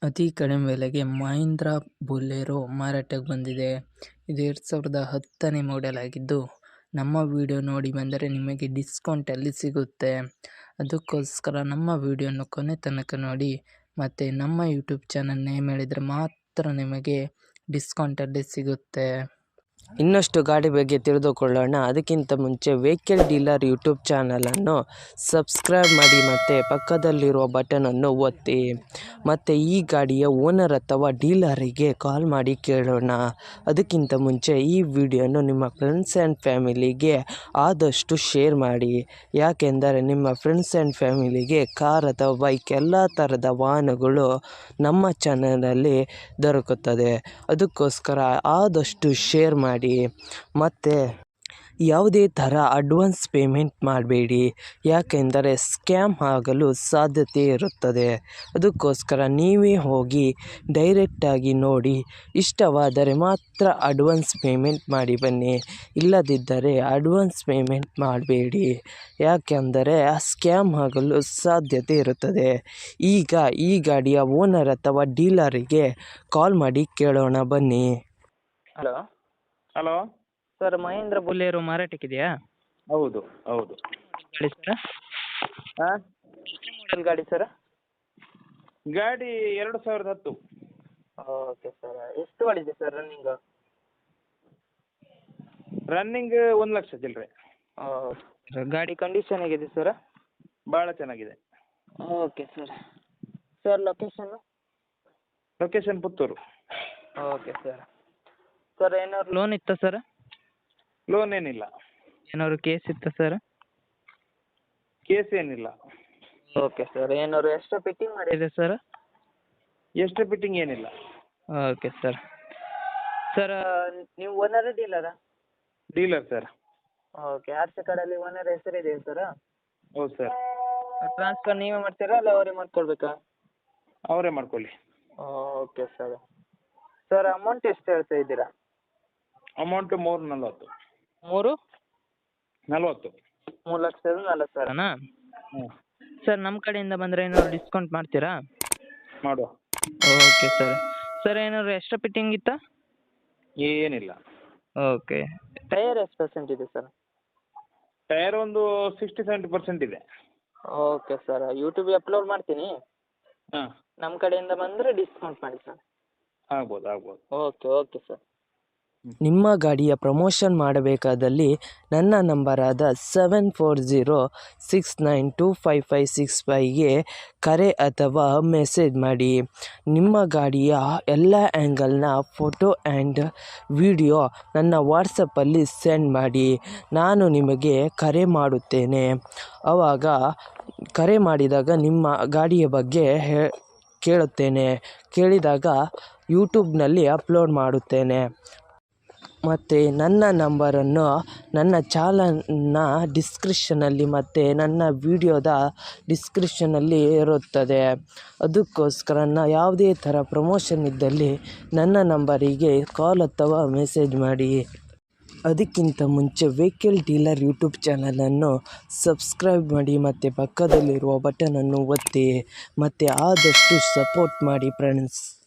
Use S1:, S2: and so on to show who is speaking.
S1: ಅತಿ ಕಡಿಮೆ ಬೆಲೆಗೆ ಮಹೀಂದ್ರ ಬೊಲೆರೋ ಮಾರಾಟಕ್ಕೆ ಬಂದಿದೆ. ಇದು 2010ನೇ ಮಾಡೆಲ್ ಆಗಿದ್ದು, ನಮ್ಮ ವಿಡಿಯೋ ನೋಡಿ ಬಂದರೆ ನಿಮಗೆ ಡಿಸ್ಕೌಂಟಲ್ಲಿ ಸಿಗುತ್ತೆ. ಅದಕ್ಕೋಸ್ಕರ ನಮ್ಮ ವಿಡಿಯೋನ ಕೊನೆ ತನಕ ನೋಡಿ ಮತ್ತು ನಮ್ಮ ಯೂಟ್ಯೂಬ್ ಚಾನಲ್ ನೇಮ್ ಹೇಳಿದರೆ ಮಾತ್ರ ನಿಮಗೆ ಡಿಸ್ಕೌಂಟಲ್ಲಿ ಸಿಗುತ್ತೆ.
S2: ಇನ್ನಷ್ಟು ಗಾಡಿ ಬಗ್ಗೆ ತಿಳಿದುಕೊಳ್ಳೋಣ. ಅದಕ್ಕಿಂತ ಮುಂಚೆ ವೆಹಿಕಲ್ ಡೀಲರ್ ಯೂಟ್ಯೂಬ್ ಚಾನಲನ್ನು ಸಬ್ಸ್ಕ್ರೈಬ್ ಮಾಡಿ ಮತ್ತು ಪಕ್ಕದಲ್ಲಿರುವ ಬಟನನ್ನು ಒತ್ತಿ. ಮತ್ತು ಈ ಗಾಡಿಯ ಓನರ್ ಅಥವಾ ಡೀಲರಿಗೆ ಕಾಲ್ ಮಾಡಿ ಕೇಳೋಣ. ಅದಕ್ಕಿಂತ ಮುಂಚೆ ಈ ವಿಡಿಯೋನು ನಿಮ್ಮ ಫ್ರೆಂಡ್ಸ್ ಆ್ಯಂಡ್ ಫ್ಯಾಮಿಲಿಗೆ ಆದಷ್ಟು ಶೇರ್ ಮಾಡಿ. ಯಾಕೆಂದರೆ ನಿಮ್ಮ ಫ್ರೆಂಡ್ಸ್ ಆ್ಯಂಡ್ ಫ್ಯಾಮಿಲಿಗೆ ಕಾರ್ ಅಥವಾ ಬೈಕ್ ಎಲ್ಲ ಥರದ ವಾಹನಗಳು ನಮ್ಮ ಚಾನಲಲ್ಲಿ ದೊರಕುತ್ತದೆ. ಅದಕ್ಕೋಸ್ಕರ ಆದಷ್ಟು ಶೇರ್ ಮಾಡಿ. ಮತ್ತು ಯಾವುದೇ ಥರ ಅಡ್ವಾನ್ಸ್ ಪೇಮೆಂಟ್ ಮಾಡಬೇಡಿ, ಯಾಕೆಂದರೆ ಸ್ಕ್ಯಾಮ್ ಆಗಲು ಸಾಧ್ಯತೆ ಇರುತ್ತದೆ. ಅದಕ್ಕೋಸ್ಕರ ನೀವೇ ಹೋಗಿ ಡೈರೆಕ್ಟಾಗಿ ನೋಡಿ, ಇಷ್ಟವಾದರೆ ಮಾತ್ರ ಅಡ್ವಾನ್ಸ್ ಪೇಮೆಂಟ್ ಮಾಡಿ ಬನ್ನಿ. ಇಲ್ಲದಿದ್ದರೆ ಅಡ್ವಾನ್ಸ್ ಪೇಮೆಂಟ್ ಮಾಡಬೇಡಿ, ಯಾಕೆಂದರೆ ಸ್ಕ್ಯಾಮ್ ಆಗಲು ಸಾಧ್ಯತೆ ಇರುತ್ತದೆ. ಈಗ ಈ ಗಾಡಿಯ ಓನರ್ ಅಥವಾ ಡೀಲರಿಗೆ ಕಾಲ್ ಮಾಡಿ ಕೇಳೋಣ ಬನ್ನಿ.
S3: ಹಲೋ
S1: ಸರ್, ಮಹೀಂದ್ರ ಬೊಲೆರೋ ಮಾರಾಟಕ್ಕಿದೆಯಾ?
S3: ಹೌದು ಹೌದು
S1: ಗಾಡಿ ಸರ್,
S3: ಹಾಂ
S1: ಮಾಡೆಲ್ ಗಾಡಿ ಸರ್?
S3: ಗಾಡಿ 2010.
S1: ಓಕೆ ಸರ್, ಎಷ್ಟು ಓಡಿದೆ ಸರ್ ರನ್ನಿಂಗು?
S3: ರನ್ನಿಂಗ್ 1,00,000 ಚಿಲ್ಲರೆ.
S1: ಗಾಡಿ ಕಂಡೀಷನ್ ಹೇಗಿದೆ ಸರ್?
S3: ಭಾಳ ಚೆನ್ನಾಗಿದೆ.
S1: ಓಕೆ ಸರ್ ಲೊಕೇಶನ್ನು?
S3: ಲೊಕೇಶನ್ ಪುತ್ತೂರು.
S1: ಓಕೆ ಸರ್ ಏನಾದ್ರು ಲೋನ್ ಇತ್ತಾ ಸರ್?
S3: ಲೋನ್ ಏನಿಲ್ಲ.
S1: ಏನಾದ್ರು ಕೇಸ್ ಇತ್ತಾ ಸರ್?
S3: ಕೇಸ್ ಏನಿಲ್ಲ.
S1: ಓಕೆ ಸರ್, ಏನಾದ್ರು ಎಕ್ಸ್ಟ್ರಾ ಫಿಟ್ಟಿಂಗ್ ಮಾಡಿದೆ ಸರ್?
S3: ಎಷ್ಟು ಫಿಟ್ಟಿಂಗ್ ಏನಿಲ್ಲ.
S1: ಓಕೆ ಸರ್ ನೀವು ಓನರ ಡೀಲರಾ?
S3: Dealer sir.
S1: Okay, R C ಕಾರ್ಡಲ್ಲಿ ಓನರ್ ಹೆಸರಿದೆಯಾ ಸರ್?
S3: ಹೌದು ಸರ್.
S1: ಟ್ರಾನ್ಸ್ಫರ್ ನೀವೇ ಮಾಡ್ತೀರಾ ಅಲ್ಲ ಅವರೇ ಮಾಡ್ಕೊಳ್ಬೇಕಾ?
S3: ಅವರೇ ಮಾಡ್ಕೊಳ್ಳಿ.
S1: ಓಕೆ ಸರ್ ಅಮೌಂಟ್ ಎಷ್ಟು ಹೇಳ್ತಾ ಇದ್ದೀರಾ?
S3: ಅಮೌಂಟು 3,40,000.
S1: 3,40,000? 3,40,000
S3: ಹ್ಞೂ
S1: ಸರ್, ನಮ್ಮ ಕಡೆಯಿಂದ ಬಂದರೆ ಏನಾದ್ರು ಡಿಸ್ಕೌಂಟ್ ಮಾಡ್ತೀರಾ?
S3: ಮಾಡುವ.
S1: ಓಕೆ ಸರ್ ಏನಾದ್ರು ಎಕ್ಸ್ಟ್ರಾ ಫಿಟ್ಟಿಂಗ್ ಇತ್ತಾ?
S3: ಏನಿಲ್ಲ.
S1: ಓಕೆ, ಟೈರ್ ಎಷ್ಟು ಪರ್ಸೆಂಟ್ ಇದೆ ಸರ್?
S3: ಟೈರ್ ಒಂದು 60-70% ಇದೆ.
S1: ಓಕೆ ಸರ್, ಯೂಟ್ಯೂಬಿಗೆ ಅಪ್ಲೋಡ್ ಮಾಡ್ತೀನಿ.
S3: ಹಾಂ,
S1: ನಮ್ಮ ಕಡೆಯಿಂದ ಬಂದರೆ ಡಿಸ್ಕೌಂಟ್ ಮಾಡಿ ಸರ್.
S3: ಆಗ್ಬೋದು.
S1: Okay sir.
S2: ನಿಮ್ಮ ಗಾಡಿಯ ಪ್ರಮೋಷನ್ ಮಾಡಬೇಕಾದಲ್ಲಿ ನನ್ನ ನಂಬರಾದ 7406925565ಗೆ ಕರೆ ಅಥವಾ ಮೆಸೇಜ್ ಮಾಡಿ. ನಿಮ್ಮ ಗಾಡಿಯ ಎಲ್ಲ ಆ್ಯಂಗಲ್ನ ಫೋಟೋ ಆ್ಯಂಡ್ ವಿಡಿಯೋ ನನ್ನ ವಾಟ್ಸಪ್ಪಲ್ಲಿ ಸೆಂಡ್ ಮಾಡಿ. ನಾನು ನಿಮಗೆ ಕರೆ ಮಾಡುತ್ತೇನೆ. ಆವಾಗ ಕರೆ ಮಾಡಿದಾಗ ನಿಮ್ಮ ಗಾಡಿಯ ಬಗ್ಗೆ ಕೇಳುತ್ತೇನೆ. ಕೇಳಿದಾಗ ಯೂಟ್ಯೂಬ್ನಲ್ಲಿ ಅಪ್ಲೋಡ್ ಮಾಡುತ್ತೇನೆ. ಮತ್ತು ನನ್ನ ನಂಬರನ್ನು ನನ್ನ ಚಾನಲ್ನ ಡಿಸ್ಕ್ರಿಪ್ಷನಲ್ಲಿ ಮತ್ತು ನನ್ನ ವಿಡಿಯೋದ ಡಿಸ್ಕ್ರಿಪ್ಷನಲ್ಲಿ ಇರುತ್ತದೆ. ಅದಕ್ಕೋಸ್ಕರ ಯಾವುದೇ ಥರ ಪ್ರಮೋಷನ್ ಇದ್ದಲ್ಲಿ ನನ್ನ ನಂಬರಿಗೆ ಕಾಲ್ ಅಥವಾ ಮೆಸೇಜ್ ಮಾಡಿ. ಅದಕ್ಕಿಂತ ಮುಂಚೆ ವೆಹಿಕಲ್ ಡೀಲರ್ ಯೂಟ್ಯೂಬ್ ಚಾನಲನ್ನು ಸಬ್ಸ್ಕ್ರೈಬ್ ಮಾಡಿ ಮತ್ತು ಪಕ್ಕದಲ್ಲಿರುವ ಬಟನನ್ನು ಒತ್ತಿ ಮತ್ತು ಆದಷ್ಟು ಸಪೋರ್ಟ್ ಮಾಡಿ ಫ್ರೆಂಡ್ಸ್.